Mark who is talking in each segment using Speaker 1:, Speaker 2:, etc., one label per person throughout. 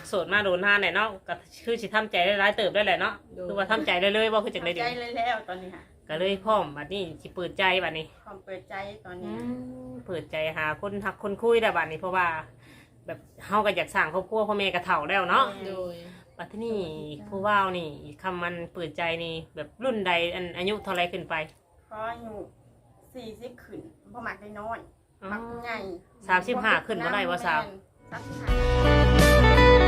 Speaker 1: โสดมาโดนนานแหละเนาะก็คือสิทำใจได้หลายเติบได้แหละเนาะคือว่าทำใจได้เลยว่าคือจังได๋
Speaker 2: ทำใจเลยแล้วตอนนี้ค่ะ
Speaker 1: ก็เลยพร้อมบัดนี้สิเปิดใจบัดนี้
Speaker 2: ความเปิดใจตอนนี้
Speaker 1: เปิดใจหาคนฮักคนคุยได้บัดนี้เพราะว่าแบบเฮาก็อยากสร้างครอบครัวพ่อแม่ก็เฒ่าแล้วเนาะ
Speaker 3: โดย
Speaker 1: บัดนี้ผู้ว่าวนี่คำมันเปิดใจนี่แบบรุ่นใดอายุเท่าไรขึ้นไป
Speaker 2: เพราะอยู่40ขึ้นบ่มักได้น้อยมักใหญ่
Speaker 1: 35ขึ้นบ่ได้ว่าสาว
Speaker 2: 35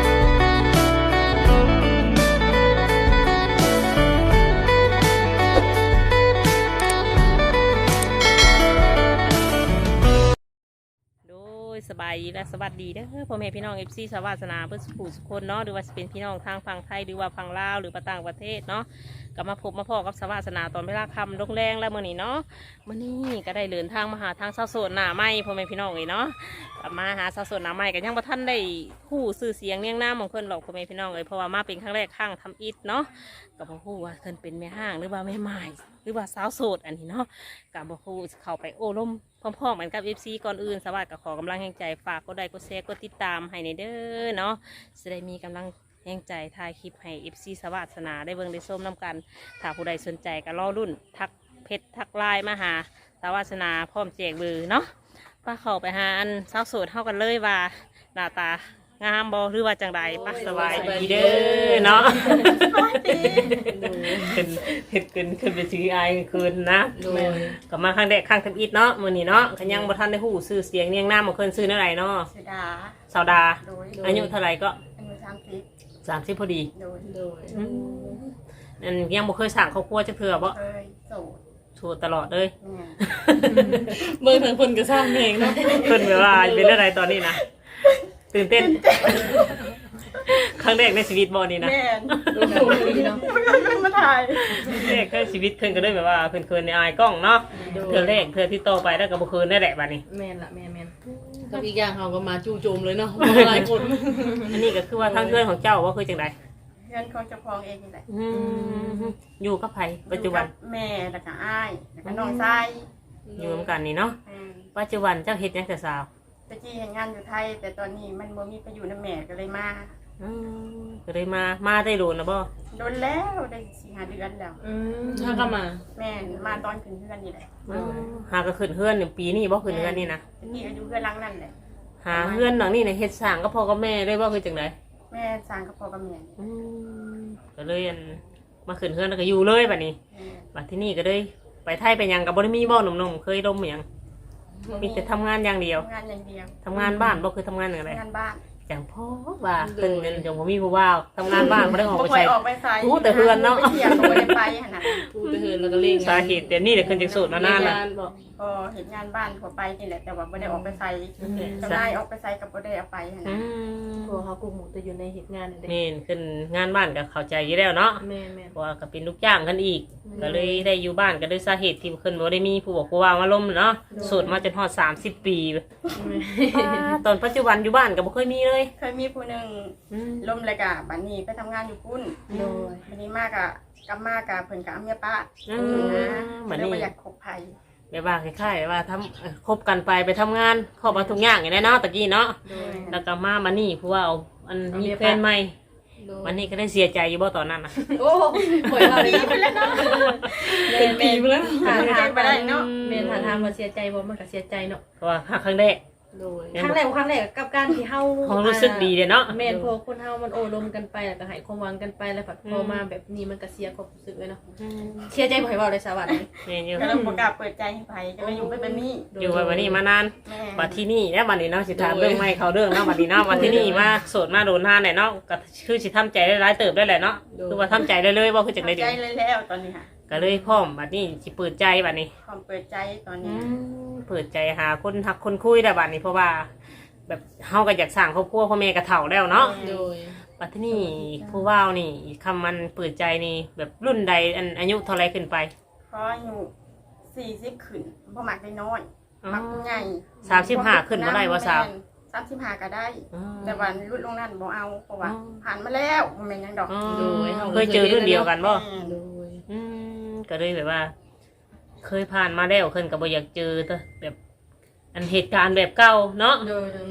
Speaker 1: โดยสบายดีและสวัสดีเด้อพ่อแม่พี่น้อง FC สวัสนาเพื่อผู้สุคนเนาะหรือว่าจะเป็นพี่น้องทางฝั่งไทยหรือว่าฝั่งลาวหรือต่างประเทศเนาะก็มาพบมาพอกับสวัสนาตอนเวลาค่ำลงแรงแล้วมื้อนี้เนาะมื้อนี้ก็ได้เดินทางมาหาทางสาวโสดหน้าใหม่พ่อแม่พี่น้องเนาะก็มาหาสาวโสดหน้าใหม่ก็ยังบ่ทันได้คู่ชื่อเสียงเรียงนามของเพิ่นหรอกพ่อแม่พี่น้องเพราะว่ามาเป็นครั้งแรกครั้งทำอิฐเนาะก็บ่ฮู้ว่าเพิ่นเป็นแม่ห้างหรือว่าแม่ไม้หรือว่าสาวโสดอันนี้เนาะก็บ่ฮู้เข้าไปโอ้ล้มพร้อมๆกันกับ FC ก่อนอื่นสวัสดิ์ก็ขอกำลังแห่งใจฝากกดไลค์กดแชร์กดติดตามให้ในเด้อเนาะจะได้มีกำลังแห่งใจถ่ายคลิปให้ FC สวัสนาได้เบิ่งได้ส้มน้ำกันถ้าผู้ใดสนใจก็รอรุ่นทักเพจทักไลน์มาหาสวัสนาพร้อมแจกเบอร์เนาะป้าเข้าไปหาอันสาวโสดเท่ากันเลยว่าหน้าตางามบ่หรือว่าจังใดป้าสบายดีเด้อเนาะขึ้นไปซื้อไอคืนนะ
Speaker 3: โดย
Speaker 1: ก็มาครั้งแรกครั้งทำอิฐเนาะมื้อนี้เนาะก็ยังบ่ทันได้ฮู้ชื่อเสียงเรียงนามของเพิ่นชื่อเท่าไหร่เนาะ
Speaker 2: เสดา
Speaker 1: สาวดา
Speaker 2: โดย
Speaker 1: อายุเท่าไหร่ก็
Speaker 2: อายุ30
Speaker 1: 30พอดี
Speaker 2: โดย
Speaker 3: โดย
Speaker 1: นั่นยังบ่เคยสร้างครอบครัวจักเทื่อบ่
Speaker 2: เคยโสด
Speaker 1: โสดตลอดเลย
Speaker 2: แม่
Speaker 3: เบิ่งทางคนก็สร้างเพลงเนาะ
Speaker 1: เพิ่นแบบว่าเป็นอะไรตอนนี้นะตื่นเต้นครั้งแรกในชีวิตบ่นี่นะ
Speaker 2: แม่น
Speaker 3: โดยเนาะ
Speaker 2: มันมาถ่าย
Speaker 1: แรกในชีวิตเพิ่นก็เลยแบบว่าเพิ่นเคินในอายกล้องเนาะเทื่อแรกเทื่อที่โตไปแล้วก็บ่เคินได้แหละบัดนี้
Speaker 3: แม่นละแม่นกับอีกอย่างเขาก็มาจู่โจมเลยเนาะหลายคน
Speaker 1: อันนี้ก็คือว่าทางเพื่อนของเจ้าว่าคือจังได
Speaker 2: เพื่อนของเจ้าของเองนี่แหละ
Speaker 1: อยู่กับไผปัจจุบัน
Speaker 2: อยู่กับแม่แล้วก็อ้ายแล้วก็น้องชาย
Speaker 1: อยู่นำกันนี่เนาะปัจจุบันเจ้าเฮ็ดหยังแต่สาว
Speaker 2: ตะกี้เห็นงานอยู่ไทย แต่ตอนนี้มันบ่มีไปอยู่นำแม่ก็เลยมา
Speaker 1: ก็เลยมาได้โดนนะบ่
Speaker 2: โดนแล้วได้4-5 เดือนแล้ว
Speaker 3: ถ้าก็มา
Speaker 2: แม่มาตอนขึ้นเพื่อนนี่แหละ
Speaker 1: หาก็ขึ้นเฮือนหนึ่งปีนี่บ่ขึ้นเฮือนนี่นะ
Speaker 2: ตะกี้ก็อยู่เพื่อนหลังนั่นแหละ
Speaker 1: หาเฮือนหลังนี่เนี่ยเฮ็ดสร้างก็พ่อกับแม่ได้บ่คือจังได
Speaker 2: แม่สร้างกับพ่อกับแม่
Speaker 1: ก็เลยมาขึ้นเฮือนแล้วก็อยู่เลยบัดนี้บัดที่นี่ก็เลยไปไทยไปหยังก็บ่ได้มีบ่หนุ่มๆเคยดมหยังมีแต่ทำงานอย่างเดียว
Speaker 2: ทำงานอย่างเดียว
Speaker 1: ทำงานบ้านบ่คือทำงานอย่างไร
Speaker 2: งานบ้าน
Speaker 1: จังพ่อว่าเพิ่นเป็นจังบ่มีผู้ว่าวทำงานบ้านบ่ได้ออกไป
Speaker 2: บ่ค่อ
Speaker 1: ใส่
Speaker 2: ยออกไปใส่
Speaker 1: รู้แต่เฮือนเนาะ
Speaker 2: ไปเที่ยวก็บ่ได้ไปหั่นน่ะ
Speaker 3: พูดไปเถินแล้วก็เล่ง
Speaker 1: สาเหตุเดี๋ยวนี้เดี๋ยวขึ้นจากสูตรมานานละ
Speaker 3: บอก
Speaker 2: ก็เห็นงานบ้านทั่วไปนี่แหละแต่ว่าบ่ได้ออกไปใส่เจ้านายออกไปใส่กับบ่ได้เอาไปหั่นน่ะ
Speaker 3: พวกเขากลุ่มหมูจะอยู่ในเหตุงานนี่
Speaker 1: นี่ขึ้นงานบ้านก็เข้าใจอยู่แล้วเนาะ
Speaker 3: แม่
Speaker 1: เพราะว่าก็เป็นลูกจ้างกันอีก ก็เลยได้อยู่บ้านก็ด้วยสาเหตุที่ขึ้นบ่ได้มีผู้บอกผู้ว่ามาล้มเนาะสูตรมาจนฮอด30 ปีตอนปัจจุบันอยู่บ้านก็บ่เคยมีเลย
Speaker 2: เคยมีผู้หนึงล้มเลยกะบัดนี้ไปทำงานอยู่พุ่น
Speaker 3: โดย
Speaker 2: บัดนี้มากะกลับมากะเพิ่นกะเอาเมียป้า
Speaker 1: บัด
Speaker 2: เลย
Speaker 1: นี้
Speaker 2: บ่อยากคบไผ
Speaker 1: แบบว่าคล้ายๆว่าทำคบกันไปทำงานครอบมาทุกอย่างอย่างนี้เนาะตะกี้เนาะ
Speaker 3: โดย
Speaker 1: แล้วก็มานี่ผู้ว่าเอาอันมีแฟนใหม่วันนี้ก็ได้เสียใจอยู่บ่ตอนนั้นน่ะ
Speaker 3: โอ้หวยเราดีไปแล้วเนาะเป็นปีไปแล้ว
Speaker 2: หาทางไปได้เนาะ
Speaker 3: เมนทางมาเสียใจบ่มันก็เสียใจเนาะ
Speaker 1: เพราะว่าครั้งแรก
Speaker 3: โดยครั้งแรกกับการที่เฮา
Speaker 1: ของรู้สึกดีเลยเนาะ
Speaker 3: แม่นพอคนเฮามันโอ้ลมกันไปแล้วก็ให้ความหวังกันไปแล้วพอมาแบบนี้มันก็เสียความรู้สึกเลยเนาะเสียใจบ่ให้เว้าเลยสวัสดี
Speaker 1: แม่นอยู่
Speaker 2: ก็เลยบ่กล้าเปิดใจให้ไผก็เลยอยู่ไปแบบนี้
Speaker 1: อยู่ไปวันนี้มานาน
Speaker 2: แม่
Speaker 1: มาที่นี่แล้ววันนี้เนาะสิถามเรื่องไม่เขาเรื่องเนาะวันนี้เนาะมาที่นี่มาโสดมาโดนนานแหละเนาะก็คือสิทำใจได้หลายเติบได้แหละเนาะคือว่าทำใจได้เลยว่าคือจังได๋
Speaker 2: ทำใจเลยแล้วตอนนี้ค่ะ
Speaker 1: ก็เลยพร้อมบัดนี้สิเปิดใจบัดนี้
Speaker 2: ความเปิดใจตอนนี้
Speaker 1: เปิดใจหาคนฮักคนคุยได้บัดนี้เพราะว่า แบบเฮาก็อยากสร้างครอบครัวพ่อแม่ก็เฒ่าแล้วเนาะ
Speaker 3: โดย
Speaker 1: บัดที่นี่ผู้ว่าวนี่คำมันเปิดใจนี่แบบรุ่นใดอายุเท่าไรขึ้นไป
Speaker 2: เพราะอยู่40ขึ้นบ่มักได้น้อยมักใหญ่
Speaker 1: 35ขึ้นบ่ได้ว่าสาว
Speaker 2: 35ก็ได้ แต่ว่ารุ่นลงนั้นบ่เอาเพราะว่าผ่านมาแล้วบ่แม่นหยังดอก
Speaker 1: เคยเจอรุ่นเดียวกันบ่
Speaker 3: โดย
Speaker 1: ก็เลยแบบว่า เคยผ่านมาแล้วขึ้นก็บ่อยากเจอแต่แบบอันเหตุการณ์แบบเก่าเนาะ
Speaker 3: โดยแม่
Speaker 1: แ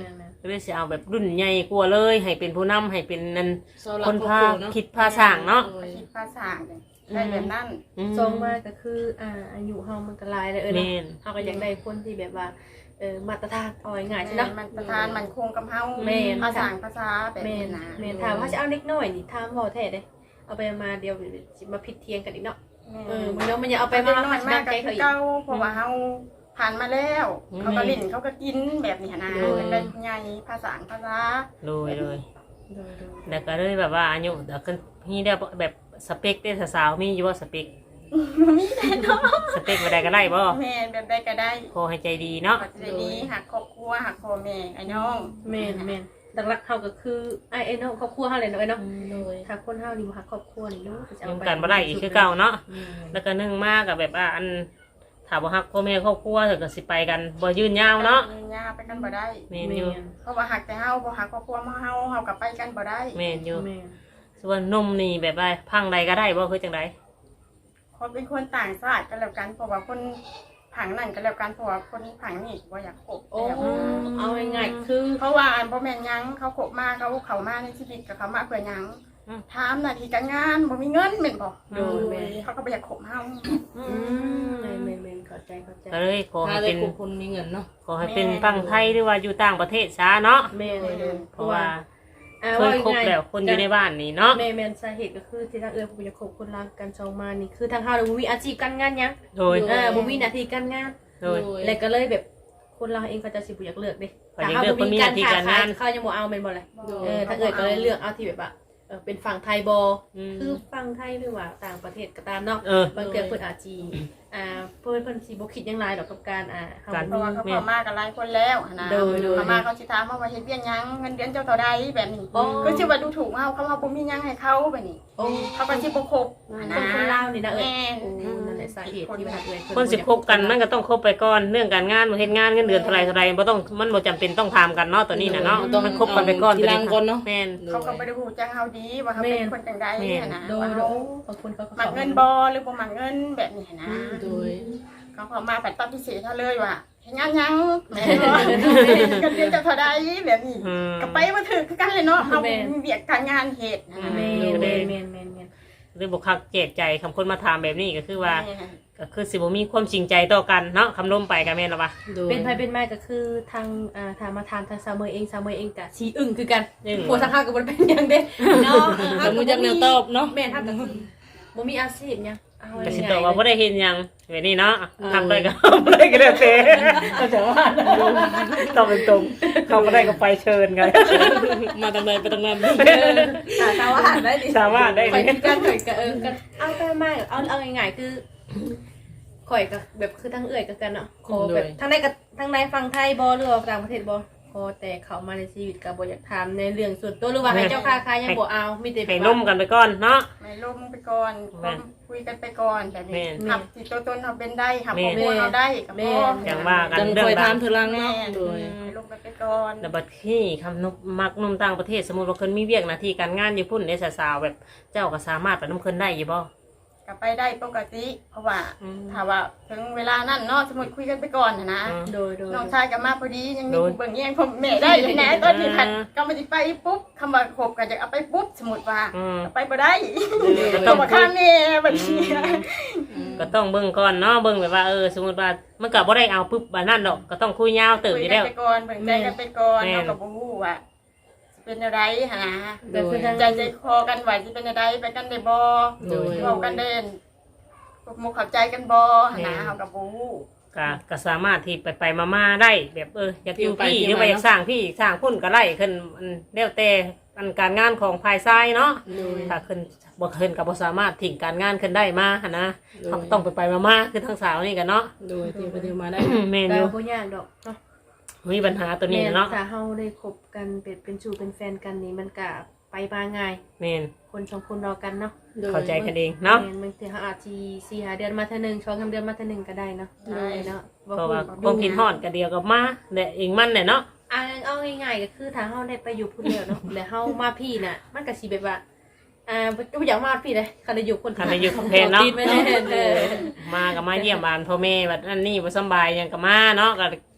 Speaker 1: เลยสิเอาแบบรุ่นใหญ่กว่าเลยให้เป็นผู้นำให้เป็นนั่น
Speaker 4: เสาหลัก
Speaker 1: คนพา
Speaker 4: ครอบครัวเนาะ
Speaker 1: คิดพาสร้างเนาะ
Speaker 4: โดย
Speaker 2: คิดภาษาได้แบบนั้น
Speaker 3: ทรงมาก็คืออายุเฮามันก็หลายแล้วเนาะ
Speaker 1: แม่น
Speaker 3: เฮาก็อยากได้คนที่แบบว่ามาตรฐานเอาง่ายๆใช่เนาะ
Speaker 2: มันประทานมันคงกับเฮา
Speaker 3: แม่น
Speaker 2: ภาษาภาษาแบบ
Speaker 3: แม่
Speaker 2: นี้
Speaker 3: น
Speaker 2: นะ
Speaker 3: แม่นถามว่าจะเอาเล็กน้อยนี่ถามบ่แท้เด้เอาไปมาเดียวสิมาผิดเทียงกันอีกเนาะมันเนาะมันอย่าเอาไป
Speaker 2: ไป
Speaker 3: มา
Speaker 2: น้อยมาก
Speaker 3: ใจ
Speaker 2: ก็
Speaker 3: เขา
Speaker 2: คือ
Speaker 3: อีก
Speaker 2: เก่าเพราะว่าเฮาผ่านมาแล้ว เขาก็ลิ้นเขาก็กินแบบนี้นะเป็นได้ใหญ่ภาษาภาษา
Speaker 1: โดย
Speaker 3: โดย
Speaker 1: แล้วก็เลยแบบว่าอายุเดี๋ยวขึ้นมีได้แบบสเปคได้สาวๆมีอยู่ว่าสเปค
Speaker 2: มีแต่เนาะ
Speaker 1: สเปคบ่ได้ก็ได้บ่
Speaker 2: แม่แบบได้ก็ได้
Speaker 1: ขอให้ใจดีเนาะ
Speaker 2: ปัจจัยดีหักครอบครัวหักพ่อแม่ไอ้น้อง
Speaker 3: แม่นหลักๆเฮาก็คือไอ้เนาะครอบครัวเฮาเลยเนาะเนาะ
Speaker 4: โดย
Speaker 3: ถ้าคนเฮานี่บ่ฮักครอบครัวนี่เนาะจะ
Speaker 1: ยั
Speaker 3: เอา
Speaker 1: ง
Speaker 3: ไป
Speaker 1: กันบ่ได้อีกคือเก่าเนาะ
Speaker 4: อืม
Speaker 1: แล้วก็นึ่งมากกับแบบว่าอันถามว่าฮักพ่อแม่ครอบครัวเถอะก็สิไปกันบ่ยืนยาวเนาะ
Speaker 2: ย่าไปกันบ่ได้
Speaker 1: แม่นอยู่
Speaker 2: เพราะว่าหักแต่เฮาบ่หักครอบครัวเฮากับไปกันบ่ได้
Speaker 1: แม่นอยู่
Speaker 3: แม่น
Speaker 1: ส่วนนมนี่แบบว่าพังใดก็ได้บ่คือจังได
Speaker 2: คนเป็นคนต่างชาติกันแล้วกันเพราะว่าคนผังนั่นกันแล้วกันเพราะว่าคนผังนี่บ่อยากคบ
Speaker 3: โอ้เอาง่ายๆคือ
Speaker 2: เพราะว่าอันบ่แม่นหยังเขาคบมาเขามาในชีวิตกับเขามาเพื่อหยังถามหน้าที่การงานบ่มีเงินแม่นบ่เขาก็บ่อยากคบเฮา
Speaker 3: แม่นเข้าใจ
Speaker 1: ก็เลยขอ
Speaker 4: ถ้า
Speaker 1: ให้
Speaker 4: ได้
Speaker 1: เป็น
Speaker 4: คุคนมีเงินเนาะ
Speaker 1: ขอให้เป็นฟังไทยหรือว่าอยู่ต่างประเทศซะเนาะ
Speaker 3: แม่น
Speaker 1: เพราะว่าเคยคบแล้วคนอยู่ในบ้านนี่เนาะ
Speaker 3: แม่นสาเหตุก็คือที่ทางผมจะคบคนรักกันชองมานี่คือทางเฮาบ่มีอาชีพการงานหยัง
Speaker 1: โดย
Speaker 3: บ่มีหน้าที่การงาน
Speaker 1: โดย
Speaker 3: แล้วก็เลยแบบคนเราเองเขาจะสิบ่อยากเลือกเด้
Speaker 1: เขาอยากเลือกคนมีหน้าที่การงาน
Speaker 3: เขายังบ่เอาแม่นบ่เลยถ้าก็เลยเลือกเอาที่แบบว่าเป็นฝั่งไทยบคือฝั่งไทยหรือว่าต่างประเทศก็ตามเนาะ
Speaker 1: เออ
Speaker 3: บางเทื่อเพิ่นอาจสิเพิ่นสิบ่คิดหยังหลายดอกกับการ
Speaker 2: เพราะว่าเขาเข้ามากันหลายคนแล้วนะเข้ามาเขาสิถามว่าเฮ็ดเวียกหยังเงินเดือนเจ้าเท่าใดแบบนี้คือสิว่าดูถูกเฮาเขาว่าบ่มีหยังให้เขาแบบนี้
Speaker 3: โอ้
Speaker 2: เขาก็สิบ่คบ
Speaker 3: คนลาวนี่นะ
Speaker 2: แม่
Speaker 3: นั่นแหละสาเหตุที่ว่า
Speaker 1: คนสิคบกันมันก็ต้องคบไปก่อนเรื่องการงานบ่เฮ็ดงานเงินเดือนเท่าไหร่บ่ต้องมันบ่จำเป็นต้องถามกันเนาะตัวนี้น่ะเนาะมันคบกันไปก่อน
Speaker 4: ทีหลังก่อนเนาะ
Speaker 1: แม่น
Speaker 2: เขาก็บ่ได้ฮู้จักเฮาดีว่าเขาเป็นคนจังไดนะ
Speaker 3: โดย
Speaker 2: ว่า
Speaker 3: โด
Speaker 2: เฮาย
Speaker 3: บางคนเขา
Speaker 2: มักเงินบ่หรือบ่มักเงินแบบนี้นะ
Speaker 4: โดย
Speaker 2: เขาเข้ามาผัดตัดพิเศษเท่าเลยว่าเฮ็ดงานยังแม่บ่กันเดือนเจ้าเท่าใดแบบนี้
Speaker 1: อืม
Speaker 2: ก็ไปบ่ถึกคือกันเลยเนาะเฮามีเวียกการงานเฮ็ดนะ
Speaker 3: แม่
Speaker 1: หรือบุคคลแจกใจคำคนมาถามแบบนี้ก็คือว่าก็คือสิบ่มีความจริงใจต่อกันเนาะคำล้มไปกันแม่นหรอปะ
Speaker 4: โดย
Speaker 3: เป็นไปเป็นมาก็คือทางทางมาทานทางซาวเมอร์เองกะชีอึ้งคือกันผัวสังฆากับบนเป็นยังเด้เนาะ
Speaker 4: แต่มูจักแนวตอบเนาะ
Speaker 3: แม่ทักก็คือบ่มีอาชีพยังเอา
Speaker 1: ก็สิ
Speaker 3: ง่าย
Speaker 1: ตอบว่าบ่ได้เห็นหยังแบบนี้เนาะทำได้ก็บ่ได้ก็แล้วแต่ก็จะว่าตอบตรงๆเขาบ่ได้ก็ไปเชิญกัน
Speaker 4: มาตรงไหนไปตรงนั้น
Speaker 3: สาวหาได้ดิ
Speaker 1: สามารถได้
Speaker 3: ข่อย
Speaker 1: เลย
Speaker 3: กันข่อยก็ก็เอาไปมาเอาง่ายๆคือข่อยก็แบบคือทั้งเอื้อยกันเนาะขอแบบทั้งในฝั่งไทยบ่หรือว่าต่างประเทศบ่พอแต่เขามาในชีวิตก็บ่อยากถามในเรื่องส่วนตัวหรือว่าให้เจ้าค่ายังบ่เอามีแต่
Speaker 1: ให้ล้มกันไปก่อนเนาะ
Speaker 2: ไม่ล้มไปก่อนคุยกันไปก่อนแบบนี้หับที่ตัวตนเฮาเป็นได้หับครอบครัวเฮาได้ก็พอ
Speaker 1: อย่างว่ากัน
Speaker 4: จัง
Speaker 1: เรื่อ
Speaker 4: คอย
Speaker 1: งราว
Speaker 4: ถามเธอลังเนาะโดย
Speaker 2: ลงกันไปก่อน
Speaker 1: แล้วบัดที่คำนบมักนุ่มต่างประเทศสมมุติว่าเพิ่นมีเวียกหน้าที่การงานอยู่พุ่นในสาวๆแบบเจ้าก็สามารถไปนํเพิ่นได้อยู่บ่
Speaker 2: ก็ไปได้ปกติเพราะว่าถ้าว่าถึงเวลานั้นเนาะสมมุติคุยกันไปก่อนนะ
Speaker 3: โดย
Speaker 2: น้องชายก็มาพอดียังมีเบิ่งแย่งพ่อแม่ได้อยู่นะตอนที่ผัดก็ไม่ได้ไปปุ๊บคำว่าคบกันจะเอาไปปุ๊บสมมุติว่าไปบ่ได้ต้องมาข้ามแม่บัดนี้
Speaker 1: ก็ต้องเบิ่งก่อนเนาะเบิ่งแบบว่าสมมุติว่ามันก็บ่ได้เอาปุ๊บบัดนั้นดอกก็ต้องคุยยาวเติบ
Speaker 2: คุ
Speaker 1: อย ยู่
Speaker 2: กั
Speaker 1: แล้
Speaker 2: น
Speaker 1: ว
Speaker 2: ไปก่อนเบิ่งใจกันไปก่อนเนาะก็บ่ฮู้ว่าเป็นอะไรหั่นนะ
Speaker 4: โดย
Speaker 2: ใจคอกันว่าสิเป็นอะไรไปกันได้บ่
Speaker 4: โดย
Speaker 2: เว้ากันเด่นมุกเข้าใจกันบ่หั่นนะเฮาก็บ่ฮู้
Speaker 1: ก็สามารถที่ไปมาๆได้แบบอยากอยู่พี่หรือว่าอยากสร้างพี่สร้างพุ่นก็ไล่ขึ้นมันแล้วแต่การงานของภายซ้ายเนาะ
Speaker 4: โดย
Speaker 1: ถ้าขึ้นบ่ขึ้นก็บ่สามารถทิ้งการงานขึ้นได้มาหั่นนะเขาต้องไปมาๆคือทั้งสาวนี่กันเนาะ
Speaker 4: โดยที่ไปที่มาได้
Speaker 1: แม่น
Speaker 3: ก็
Speaker 1: อยู่
Speaker 3: บ่ยากดอกเนาะ
Speaker 1: มีปัญหาตัวนี้เนาะ
Speaker 3: ถ้าเฮาได้คบกันเป็นชูเป็นแฟนกันนี่มันก็ไปมาง่าย
Speaker 1: แม่น
Speaker 3: คนสองคนรอกันเนาะ
Speaker 1: เข้าใจกันเองเนาะ
Speaker 3: บางทีเขาอาจจะ4-5 เดือนมาเท่านึง2-3 เดือนมาเท่านึงก็ได้เนาะเนาะ
Speaker 1: เพราะว่าความคิดฮอดก็เดียวกับมาแต่เองมันเนี่ยเนาะ
Speaker 3: เอาง่ายๆก็คือถ้าเฮาได้ไปอยู่พุ่นแล้วเนาะแล้วเฮามาพี่น่ะมันก็สิแบบว่าบ่อยากมาพี่เลยคันได้อยู่คน
Speaker 1: คันได้อยู่กับแฟนเนาะ
Speaker 3: ไม่ได้
Speaker 1: มาก็มาเยี่ยมบ้านพ่อแม่บัดนั่นนี่บ่สำบายหยังก็มาเนาะก็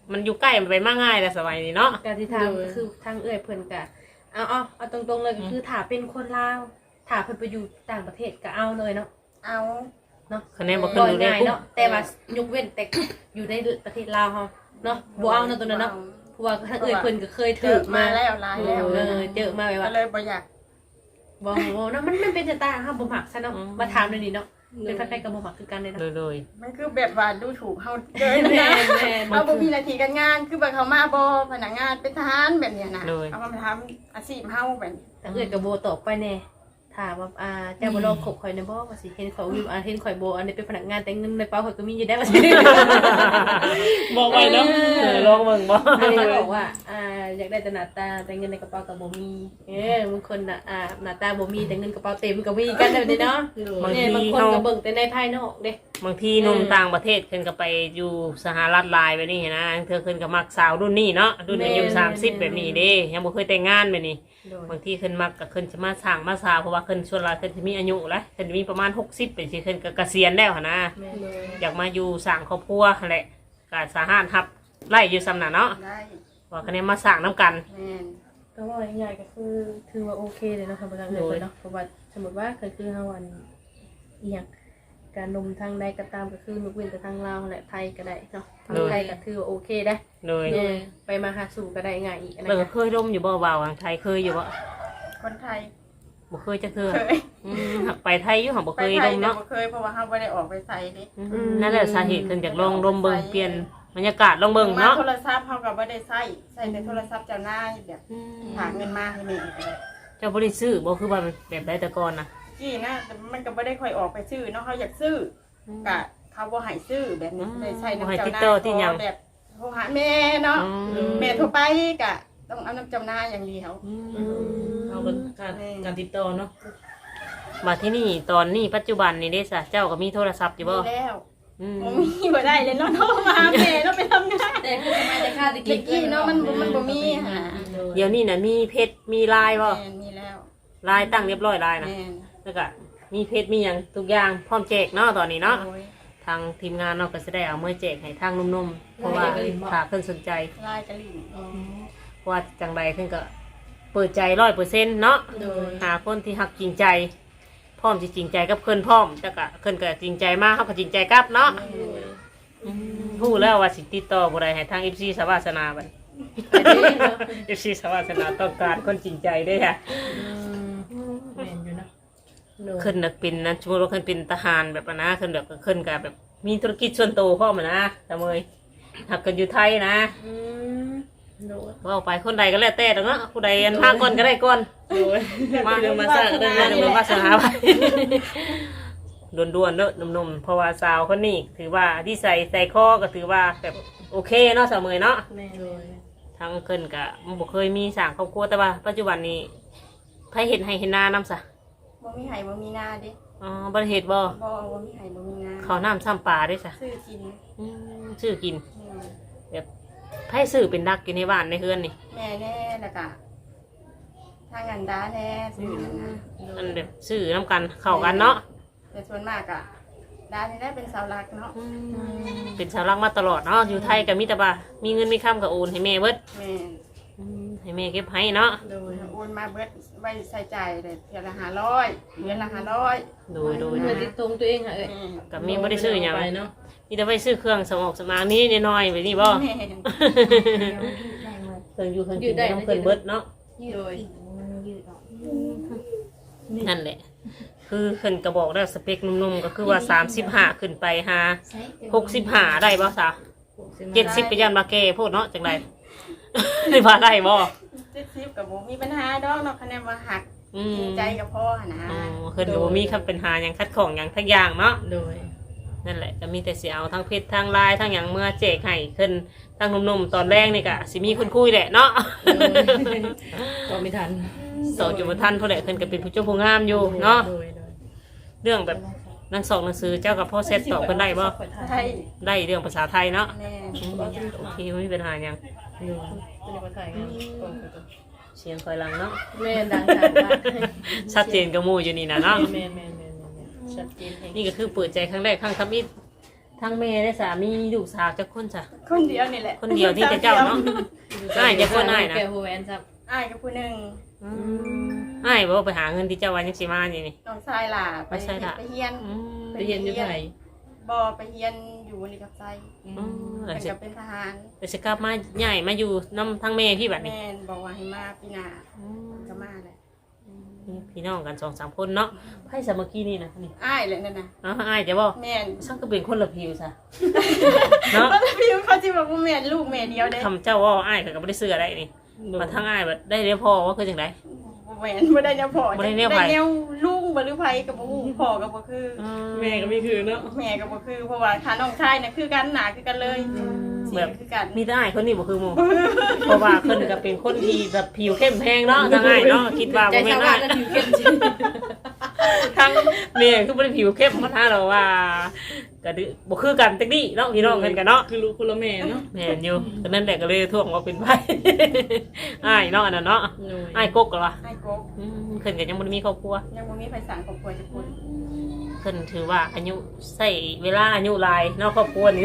Speaker 1: มันอยู่ใกล้มันไปมากง่ายแต่สมัยนี้เนาะ
Speaker 3: การที่ทางคือทางเอื้อยเพิ่นก็เอาตรงๆเลยก็คือถ้าเป็นคนลาวถ้าเพิ่นไปอยู่ต่างประเทศก็เอาเลยเนาะ
Speaker 2: เอา
Speaker 3: เนาะ
Speaker 1: คะแนนบ่ขึ้นอยู่ได้
Speaker 3: ง่าย
Speaker 1: ปุ๊บ
Speaker 3: เนาะแต่ว่ายกเว้นแต่อยู่ในประเทศลาวเฮาเนาะบ่เอาเนาะตัวนั้นเนาะเพราะว่าทางเอื้อยเพิ่นก็เคย
Speaker 2: เจ
Speaker 3: ถู
Speaker 2: อก มา
Speaker 3: มา
Speaker 2: แล้วลายแล้ว
Speaker 3: เจอมาแบบ
Speaker 2: ก็
Speaker 3: ว่า
Speaker 2: เลยบ่อยาก
Speaker 3: บ่เนาะมันเป็นชะตาเฮาบ่มักซะเนาะมาถามเลยนี่เนาะเป็นใครๆก็บ่มักคือกันเลยเนาะ
Speaker 1: โดย
Speaker 2: มันคือแบบว่าดูถูกเฮาเกิน
Speaker 3: แม่
Speaker 2: นะ
Speaker 3: แม่
Speaker 2: เอาบ่มีหน้าที่การงานคือแบบเขามาบ่พนักงานเป็นทหารแบบเนี้ยนะเอามาทำอาชีพเฮาแบบ
Speaker 3: ทางเอื้อยก็บ่ตอบไปแน่ถามว่าเจ้าบ่ลองคบข่อยแน่บ่ว่าสิเห็นข่อยอยู่เห็นข่อยบ่อันนี้เป็นพนักงานแต่เงินในเป๋าข่อยก็มีอยู่ได้ว่าสิ
Speaker 4: บอกไว้เนาะ
Speaker 1: ลองเบิ่งบ่
Speaker 3: อันนี้ก็บอกว่าอยากได้แต่หน้าตาแต่เงินในกระเป๋าก็บ่มีบางคนน่ะหน้าตาบ่มีแต่เงินกระเป๋าเต็มก็มีกันแบบนี้เนาะ
Speaker 1: บาง
Speaker 3: เนี่ย
Speaker 1: ที
Speaker 3: บางคน
Speaker 1: เฮา
Speaker 3: ก็เบิ่งแต่ในภายนอกเด้
Speaker 1: บางทีหนุ่มต่างประเทศเพิ่นก็ไปอยู่สหรัฐหลายแบบนี้นะเธอเพิ่นก็มักสาวรุ่นนี้เนาะรุ่นอายุ30แบบนี้เด้ยังบ่เคยแต่งงานแบบนี้ บางทีเพิ่นมักก็เพิ่นจะมาสร้างมาสาวเพราะว่าเพิ่นส่วนหลายเพิ่นสิมีอายุแล้วเพิ่นมีประมาณ60เป็นสิเพิ่นก็เกษียณแล้วหั่นนะอยากมาอยู่สร้างครอบครัวนั่นแหละก็สามารถรับไล่อยู่ซำน่ะเนาะ
Speaker 2: ได้
Speaker 1: ว่าคะแนนมาสร้างนํกัน
Speaker 2: แม่น
Speaker 3: ก็ว่าง่ายๆก็คือถือว่าโอเคเลยเนาะครับบ่ต้องเลยเนาะเพราะว่าสมมุติว่าคือเฮาอันอีหยังการนมทางใดก็ตามก็คือยกเว้นแต่ทางลาวและไทยก็ได้เนาะทางไทยก็ถือว่าโอเคได้
Speaker 1: โดย
Speaker 3: ไปมาหาสู่ก็ได้ง่ายอีกนะ
Speaker 1: เบิ่งเคยร่มอยู่บ่บ่าวทางไทยเคยอยู่บ่
Speaker 2: คนไทย
Speaker 1: บ่เคยจักเทื่อ
Speaker 2: เคย
Speaker 1: หักไปไทยอยู่หักบ่
Speaker 2: ไป
Speaker 1: เคย
Speaker 2: ไท
Speaker 1: ร่
Speaker 2: ย
Speaker 1: ม
Speaker 2: แต่
Speaker 1: เนาะ
Speaker 2: บ่เคยเพราะว่าเฮาบ่ได้ออกไปไสเด้
Speaker 1: นั่นแหละสาเหตุเพิ่นอยากลองร่มเบิ่งเปลี่ยนบรรยากาศลองเบิ่งเนาะ
Speaker 2: โทรศัพท์เฮาก็บ่ได้ใช้แต่โทรศัพท์เจ้านายแบบฝากเงินมาให้แม่ก็ได้
Speaker 1: เจ้าบ่ได้ซื้อบ่คือว่าแบบใดแต่ก่อนน่ะ
Speaker 2: จี้นะแต่มันก็บ่ได้ค่อยออกไปซื้อเนาะเขาอยากซื้อก็เขาบ่ให้ซื้อแบบนี้ได้ใช้น้ำเจ้านายแบบโทรหาแม่เนาะแม่โทรไปก็ต้องเอาน้ำเจ้านายอย่างเดียว
Speaker 4: เอาเป็นการติดต่อเนาะ
Speaker 1: มาที่นี่ตอนนี้ปัจจุบันนี่เด้ซะเจ้าก็มีโทรศัพท์อยู่บ่
Speaker 2: มีแล้ว
Speaker 1: อืม
Speaker 2: บ่มีบ่ได้เลยเนาะโทรมาหาแม่เนาะไปทำงาน
Speaker 3: แต่คือทำไมแต่ค่าตะ
Speaker 2: เด็กกี้เนาะมันบ่มีหา
Speaker 1: เดี๋ยวนี้น่ะมีเพจมีไลน์บ่
Speaker 2: แม่มีแล้ว
Speaker 1: ไลน์ตั้งเรียบร้อยไลน์นะ
Speaker 2: แม่
Speaker 1: แล้วก็มีเพจมีหยังทุกอย่างพร้อมแจกเนาะตอนนี้เนาะ
Speaker 2: โอ้ย
Speaker 1: ทางทีมงานเนาะก็จะได้เอามือแจกให้ทางนุ่มๆเพราะว่าถ้าเพิ่นสนใจ
Speaker 2: ลายกะหรี่
Speaker 1: เพราะว่าจังใดเพิ่นก็เปิดใจ100%เนาะ
Speaker 3: โดย
Speaker 1: หาคนที่ฮักจริงใจ พร้อมสิจริงใจกับเพิ่นพร้อมแต่ก็เพิ่นก็จริงใจมากเฮาก็จริงใจกลับเนาะฮู้แล้วว่าสิติดต่อบ่ได้ให้ทาง FC สวาสนาบัด FC สวาสนาต้องการคนจริงใจเด้อค่ะ
Speaker 3: แม่นอยู่นะ
Speaker 1: ขึ้นน่ะเป็นนะสมมุติว่าขึ้นเป็นทหารแบบนั้นนะขึ้นแบบขึ้นก็แบบมีธุรกิจส่วนตัวพร้อมอะนะตะเมยหักกันอยู่ไทยนะ
Speaker 3: โดย
Speaker 1: ว่าไปคนใดก็แล้วแต่ดอกเนาะผู้ใดอันพาก่อนก็ได้ก่อน
Speaker 4: โดยมาเดี๋ยวมาสร้างก็ได้
Speaker 1: มา
Speaker 4: นะ
Speaker 1: เดี๋ยวมาสหาไปด่วนๆเนอะหนุ่มๆเพราะว่าสาวคนนี้ถือว่าที่ใส่ข้อก็ถือว่าแบบโอเคเนาะสาวเมยเนาะ
Speaker 3: แม่โดย
Speaker 1: ทางขึ้นก็บ่เคยมีสร้างครอบครัวแต่ว่าปัจจุบันนี้ไผเห็นให้เห็นหน้านำซะ
Speaker 2: บ่มีไห้บ่มีนาเด้
Speaker 1: อ๋อบ่ได้เฮ็ดบ่
Speaker 2: บ่มีไห้บ่มีนา
Speaker 1: ข้าวน้ำซ้ำปลาด้วยซะ
Speaker 2: ซื้อกิน
Speaker 1: ซื้อกินแบบไผซื้อเป็นดักอยู่ในบ้านในเฮือนนี่
Speaker 2: แม่แน่แล้วก็ทางอันดาแน่ซื้อนั่นนะ
Speaker 1: มันแบบซื้อน้ำกันเข้ากันเนาะ
Speaker 2: แต่ส่วนมากอะดานี่ได้เป็นเสาหลักเนาะ
Speaker 1: เป็นชาวรักมาตลอดเนาะอยู่ไทยก็มีแต่ว่ามีเงินมีคำก็โอนให้แม่เบิด
Speaker 2: แม่
Speaker 1: ให้แม่เก็บให้เนาะ
Speaker 2: โดยโอนมาเบิดไว้ใส่ใจายเลยเดือนละ500เดือนละ500
Speaker 1: โดย
Speaker 3: เงินติดตรงตัวเองค่ะเอ้ย
Speaker 1: กับมีบ่ได้ซื้อหยัง
Speaker 4: ไปเนาะ
Speaker 1: มีแต่ไปซื้อเครื่องสมองสมางนี้น้อยๆไปนี่บ่
Speaker 2: แม่
Speaker 1: เครื่องอยู่เครื่องกินต้องเครื่องเบิดเนาะ
Speaker 3: โดย
Speaker 1: นั่นแหละ คือขึ้นกระบอกได้สเปคนุ่มๆก็คือว่า35ขึ้นไปหา65ได้บ่ซะ70ก็ยันมาแก่โพดเนาะจังได ได้ว่าได้บ่
Speaker 2: 70กับบ่มีปัญหาดอกเนาะคะแนนว่าหักจริงใจกับพ่อหั่นนะ
Speaker 1: อ๋อขึ้นก็บ่มีคำเป็นหาหยังคัดของหยังทักอย่างเนาะ
Speaker 4: โดย
Speaker 1: นั่นแหละก็มีแต่สิเอาทั้งเพชรทั้งลายทั้งอย่างเมื่อแจกให้ขึ้นทั้งหนุ่มๆตอนแรกนี่ก็สิมีคนคุยแหละเนาะ
Speaker 4: ก็ไม่ทัน
Speaker 1: สอนจุบทันเท่าไหร่ขึ้นก็เป็นผู้เจ้าผู้งามอยู่เนาะ
Speaker 4: โดยโดย
Speaker 1: เรื่องแบบหนังสองหนังสือเจ้ากับพ่อเซตตอบเพิ่นได้บ่
Speaker 2: ไทย
Speaker 1: ได้เรื่องภาษาไทยเนาะ
Speaker 2: แม่
Speaker 1: โอเคไม่มีปัญหาหยัง
Speaker 4: โดย
Speaker 3: เป็นคนไทยกัน
Speaker 1: เสียงคอยหลังเนาะ
Speaker 3: แม่ดังจากบ้าน
Speaker 1: ชัดเจนกับหมู่อยู่นี่นะเนาะ
Speaker 4: แม่นแม่นแม่นแม่นชัดเจนแห่ง
Speaker 1: นี่ก็คือเปิดใจครั้งแรกครั้งทำอิฐทั้งแม่และสามีลูกสาวจักคนจ้ะ
Speaker 2: คนเดียวนี่แหละ
Speaker 1: คนเดียวที่จะเจ้าเนาะอ้ายจะคนอ้ายนะ
Speaker 3: แกโฮแวนซับ
Speaker 2: อ้ายกับผู้หนึง
Speaker 1: อ้ายบ่ไปหาเงินที่เจ้าวันยังสิมานี่นี่
Speaker 2: น้องชายล่ะ
Speaker 1: ไปใช่ล่ะ
Speaker 2: ไปเฮียน
Speaker 4: ไปเรียนอยู่ไทย
Speaker 2: บ่ไปเฮียนอยู่นี่กับใจ
Speaker 1: แล้
Speaker 2: เพิ่
Speaker 1: วน สิ
Speaker 2: ก็เป็นทหาร
Speaker 1: แล้วสิกลับมาใหญ่มาอยู่นํทั้งแม่พี่บัดนี้
Speaker 2: แม่นบอกว่าให้มาปีหน้าก็มาแหละ
Speaker 1: พี่น้องกัน2-3คนเนาะไผสามัคคีนี่นะนี่
Speaker 2: อ้ายแหละนั่นน่ะ
Speaker 1: อ้ายจะบ่
Speaker 2: แม่น
Speaker 1: ซักก็เป็นคนละผิวซะเนาะ
Speaker 2: เพราะพี่เขาสิบอกว่าแม่นลูกแม่เดียวเด้
Speaker 1: คำเจ้าว่าอ้ายก็บ่ได้เสื้อได้นี่มาทั้งอ้ายบัดได้เรียกพ่อว่าคือจังได
Speaker 2: แม่นบ่ได้แนวพ่อ
Speaker 1: บ่ได้แนวไผ
Speaker 2: แนวลุงบ่หรือไผก็บ่ฮู้พ่อก็บ่คือ
Speaker 4: แม่ก็ไม่คือเนาะ
Speaker 2: แม่ก็บ่คือเพราะว่าถ้าน้องชายน่ะคือกันหน้าคือกันเลยเสียงคือกัน
Speaker 1: มีแต่อ้ายคนนี้บ่คือหมู่เพราะว่าเพิ่นก็เป็นคนที่แบบผิวเข้มแพงเนาะทั้งอ้ายเนาะคิดว่า
Speaker 3: ใจ
Speaker 1: บ่แม่
Speaker 3: ชาน ว
Speaker 1: อ้า
Speaker 3: บ้าย นแล้วผิวเข้มจริง
Speaker 1: ทั้งแม่คือบ่ได้ผิวเข้มมาท่าเราว่าก็ดื้อบ่คือกันจักนี้เนาะพี่น้องเพิ่นกันเนาะ
Speaker 4: คือลูกคนละแม่เนาะ
Speaker 1: แม่นอยู่ก็นั่นแหละก็เลยท่วงว่าเป็นไผ อ้ายเนาะอันนั้นเนาะอ้ายกกเหรอวะ
Speaker 2: ไอ้กบ
Speaker 1: เพิ่นก็ยังบ่ได้มีครอบครัว
Speaker 2: ยังบ่มีไผสร้างครอบครัวจักคน
Speaker 1: เพิ่นถือว่าอายุใส่เวลาอายุหลายเนาะครอบครัวนี่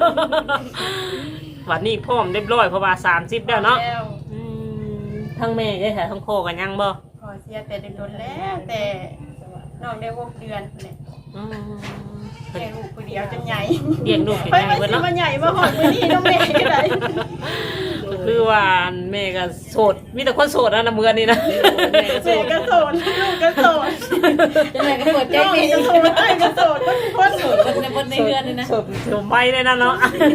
Speaker 1: วันนี้พร้อมเรียบร้อยเพราะว่า30แล้วเนาะ
Speaker 2: แล้ว
Speaker 1: ทั้งแม่ได้ค่ะทั้งพ่อกันยังบ่
Speaker 2: ขอเสียแต่โดนๆแล้วแต่น้องได้6เดือนนั่นแหละ
Speaker 1: อืม
Speaker 2: แค่ลูกผู้เดียวจนใหญ่
Speaker 1: เลี้ยงลูกเป็น
Speaker 2: ไป
Speaker 1: ไง
Speaker 2: มา
Speaker 1: เบิด
Speaker 2: สิ
Speaker 1: เนาะ
Speaker 2: มาใหญ่มาหอดมื้อนี้น้องแม่ก็ได้
Speaker 1: คือว่าแม่ก็โสดมีแต่คนโสดนะเมือนี่นะ
Speaker 2: แม่ก็โสดลูกก็โสด
Speaker 3: จังไดก็เปิดใจ
Speaker 2: น้อง
Speaker 3: เมย์
Speaker 2: ก็โสดไอ้ก็โสดคนโสด
Speaker 3: บนในเรือนเลยนะ
Speaker 1: โสดโสดไม่เลยนะเนาะ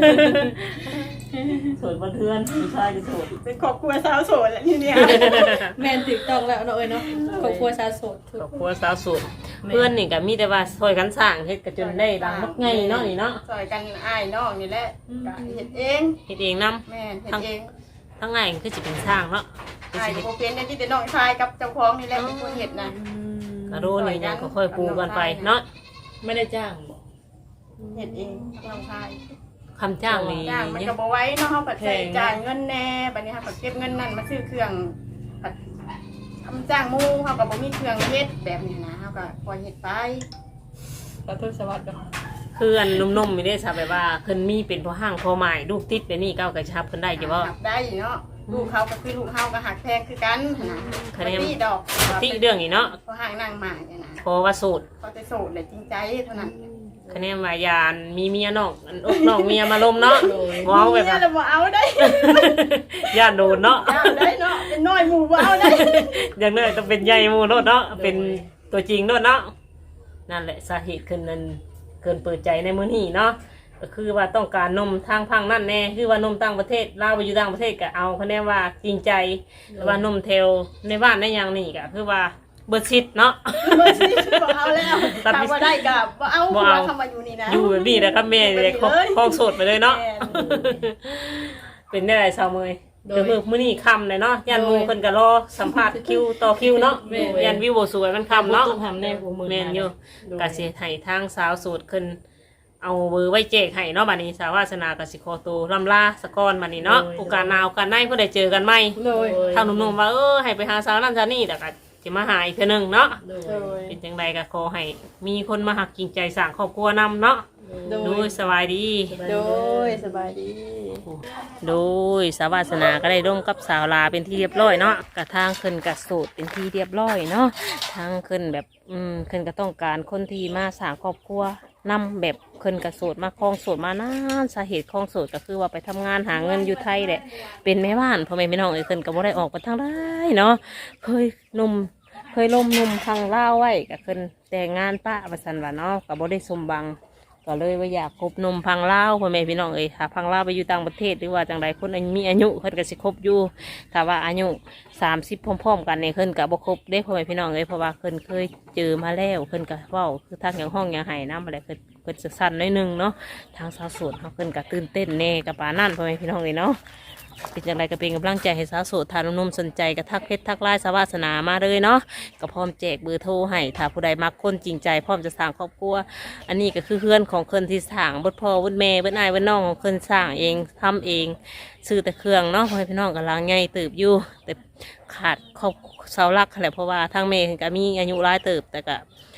Speaker 1: โสดบนเทือนผู้ชายก็โสด
Speaker 2: เป็นครอบครัวสาวโสดแหละทีเนี้ย
Speaker 3: แมนถูกต้องแล้วเนาะเอ้ยเนาะครอบครัวสาวโสด
Speaker 1: ครอบครัวสาวโสดเพื่อนนี่ก็มีแต่ว่าซอยกันสร้างเฮ็ดก็จนได้ดังมักไงเนาะนี่เนาะ
Speaker 2: ซอยกันอ้ายน้องนี่แหละก็เฮ็ดเอง
Speaker 1: เฮ็ดเองนํ
Speaker 2: แม่เฮ็ดเอง
Speaker 1: ทั้งไงคือสิเป็นสร้างเนาะคือ
Speaker 2: อ้าย
Speaker 1: สิ
Speaker 2: ก็
Speaker 1: เฮ็ด
Speaker 2: บ่เป็นได้ที่แต่น้องชายกับเจ้าของนี่แหละเป็นคนเฮ็ดนะ
Speaker 1: กระโดดนี่ยังก็ค่อยปูกันไปเนาะ
Speaker 4: ไม่ได้จ้างบอก
Speaker 2: เฮ็ดเองน้องชาย
Speaker 1: คำจ้างนี่
Speaker 2: จ้างมันก็บ่ไหว้เนาะเฮาปัดใช้จ่ายเงินแน่บัดนี้เฮาปัดเก็บเงินนั่นมาซื้อเครื่องปัดทำจ้างหมู่เฮาก็บ่มีเครื่องเฮ็ดแบบนี้นะเฮาก็ปล่อยเฮ็ดไป
Speaker 4: ขอโทษสวัสดีค่ะ
Speaker 1: คืออันนุ่มๆไม่ได้ทราบแบบว่าเพิ่นมีเป็นพ่อห้างพ่อหมายลูกติดแบบนี้ก้าวกระชับเพิ่นได้จ้ะบ่
Speaker 2: หักได้เนาะลูกเขาก็คือลูกเฮาก็หักแพงคือกันนะ
Speaker 1: คะแนน
Speaker 2: บ่มีดอก
Speaker 1: ที่เรื่องนี้เนาะ
Speaker 2: เพราะห่างนางหมาเนี่ยนะ
Speaker 1: เพราะว่าโสูตร
Speaker 2: เขาจะโสดเลยจริงใจเท่านั้น
Speaker 1: คะแนนว่ายานมีเมียน้องอันอกน้องเมียมาลมเนาะว้าวแบบ
Speaker 2: เนี่
Speaker 1: ว่าย
Speaker 2: เราบ่เอาได้
Speaker 1: ย่านโดนเนาะ
Speaker 2: เอาได้เนาะเป็นน้อยหมู่บ่เอาได้
Speaker 1: อย่างน้อยต้องเป็นใหญ่หมู่โนดเนาะเป็นตัวจริงโนดเนาะนั่นแหละสาเหตุขึ้นนั้นเกินเปิดใจในมื้อนี้เนาะก็คือว่าต้องการนมทางพังนั่นแน่คือว่านมต่างประเทศลาวไปอยู่ต่างประเทศก็เอาคะแนนว่าจริงใจแต่ว่านมเทลในบ้านในอย่างนี้ก็คือว่าเบิดชิดเนาะ
Speaker 2: บ่สิบ่เอาแล้วถ้าบ่ได้ก็บ่เอาเพราะว่าคำว่าอยู่นี่นะ
Speaker 1: อยู่แบบนี้นะครับแม่เลยคล้องโสดไปเลยเนาะ เป็นได้ไรสาวเมยเดี๋ยวมื้อนี้ค่ำเลยเนาะยันหมูเพิ่นก็รอสัมภาษณ์คิวต่อคิวเนาะยันวิวบ่สวยมันค่ำเนาะ
Speaker 4: ต้องทำแน่กูมือ
Speaker 1: แม่นอยู่ก็สิให้ทางสาวโสดขึ้นเอาเบอร์ไว้แจกให้เนาะบัดนี้สาววาสนาก็สิขอตัวลำลาสะก่อนบัดนี้เนาะโอกาสหน้าโอกาสหน้าเพิ่นได้เจอกันใหม่
Speaker 3: โดย
Speaker 1: ทางหนุ่มๆว่าให้ไปหาสาวนั่นสาวนี่แต่ก็สิมาหาอีกเทื่อนึงเนาะ
Speaker 4: โด
Speaker 2: โด
Speaker 4: ย
Speaker 2: ย
Speaker 1: เป็นจังไดก็ขอให้มีคนมาหักจริงใจสร้างครอบครัวนำเนาะ
Speaker 3: โด
Speaker 1: โด
Speaker 3: ย
Speaker 1: ยสบายดี
Speaker 2: โดยสบายดี
Speaker 1: โดยสาววาสนาก็ได้ร่วมกับสาวลาเป็นที่เรียบร้อยเนาะกระทางขึ้นกับสูตรเป็นที่เรียบร้อยเนาะทางขึ้นแบบขึ้นก็ต้องการคนที่มาสร้างครอบครัวนำแบบขึ้นกับสูตรมาคลองสูตรมานานสาเหตุคลองสูตรก็คือว่าไปทำงานหาเงินอยู่ไทยแหละเป็นแม่บ้านพ่อแม่พี่น้องขึ้นก็บ่ได้ออกไปทางได้เนาะเคยล้มนุ่มทางเล่าวไว้ก็ขึ้นแต่งงานป้าประสันว่าเนาะก็บ่ได้สมบัง ก็เลยว่าอยากคบนมพังเล่าวพ่อแม่พี่น้องถ้าพังเล่าวไปอยู่ต่างประเทศหรือว่าจังใดคนมีอายุเพิ่นก็สิคบอยู่ถ้าว่าอายุ30พร้อมๆกันเนี่ยเพิ่นก็บ่คบได้พ่อแม่พี่น้องเพราะว่าเพิ่นเคยเจอมาแล้วเพิ่นก็เว้าคือทางอย่างห้องอย่างไห้น้ำอะไรเพิ่นจะสั่นน้อยนึงเนาะทางสาวโสดเพิ่นก็ตื่นเต้นแน่กับปานนั่นพ่อแม่พี่น้องเนาะเป็นจังไรก็เป็นกำลังใจให้สาวโสดทานนมสนใจก็ทักเพชรทักไลน์สาวาสนามาเลยเนาะก็พร้อมแจกเบอร์โทรให้ถ้าผู้ใดมักคนจริงใจพร้อมจะสร้างครอบครัวอันนี้ก็คือเพื่อนของคนที่สร้างบดพ่อบดแม่บดนายบดน้องของคนสร้างเองทำเองซื้อแต่เครื่องเนาะพ่อแม่พี่น้องกำลังใหญ่เติบอยู่แต่ขาดครอบเสาหลักแหละเพราะว่าทางแม่ก็มีอายุหลายเติบแต่ก็พ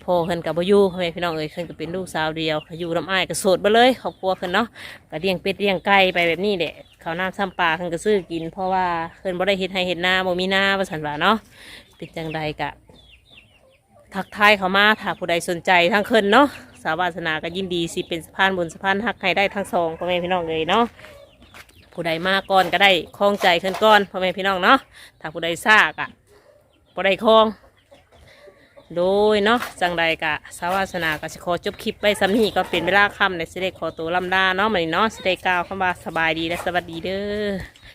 Speaker 1: พ่อเพิ่นกับบ่อยู่พ่อแม่พี่น้องเอ้ยเพิ่นก็เป็นลูกสาวเดียวอยู่ลำอ้ายก็โสดไปเลยครอบครัวเพิ่นเนาะก็เลี้ยงเป็ดเลี้ยงไก่ไปแบบนี้แหละข้าวน้ำซ้ำปลาเพิ่นก็ซื้อกินเพราะว่าเพิ่นบ่ได้เฮ็ดให้เฮ็ดนาบ่มีนาว่าซั่นว่าเนาะเป็นจังใดก็ทักทายเขามาถ้าผู้ใดสนใจทั้งเพิ่นเนาะสาวาสนาก็ยินดีสิเป็นสะพานบุญสะพานฮักให้ได้ทั้งสองพ่อแม่พี่น้องเลยเนาะผู้ใดมาก่อนก็ได้คล้องใจขึ้นก่อนพ่อแม่พี่น้องเนาะถ้าผู้ใดซากอ่ะผู้ใดคล้อง โดยเนาะจังใดกะสาวาสนาก็สิขอจบคลิปไปซ้ำนี้ก็เป็นเวลาค่ำในสิได้ขอตัวลำลาเนาะมื้อนี้เนาะสิได้กล่าวคำว่าสบายดีและสวัสดีเด้อ